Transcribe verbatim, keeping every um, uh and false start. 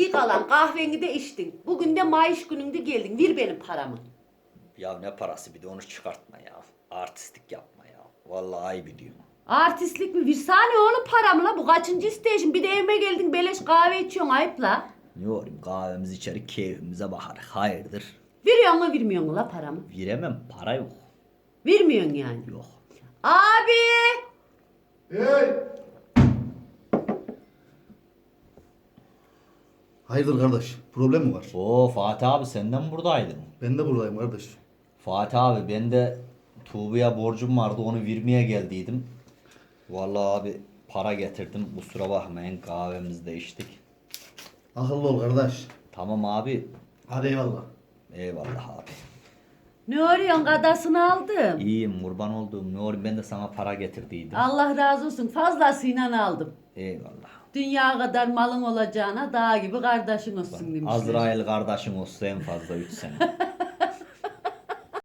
İyi kalan kahveni de içtin. Bugün de maaş gününde geldin. Ver benim paramı. Ya ne parası bir de onu çıkartma ya. Artistlik yapma ya. Vallahi ayıp ediyorum. Artistlik mi? Versene oğlum paramı la. Bu kaçıncı isteyişin? Bir de evime geldin beleş kahve içiyorsun ayıp la. Ne olayım kahvemizi içerik keyfimize bakarız. Hayırdır? Veriyor mu vermiyor mu la paramı? Veremem para yok. Vermiyorsun yani. Yok. Abi! Hey! Hayırdır kardeş? Problem mi var? Oo Fatih abi senden mi buradaydın? Ben de buradayım kardeş. Fatih abi ben de Tuğba'ya borcum vardı onu vermeye geldiydim. Vallahi abi para getirdim kusura bakmayın kahvemizi de içtik. Akıllı ol kardeş. Tamam abi. Hadi eyvallah. Eyvallah abi. Ne arıyorsun? Kadasını aldım. İyiyim kurban olduğum ne olayım ben de sana para getirdiydim. Allah razı olsun. Fazlasıyla aldım. Eyvallah. Dünya kadar malın olacağına dağ gibi kardeşin olsun demişler. Azrail kardeşim olsa en fazla üç sene.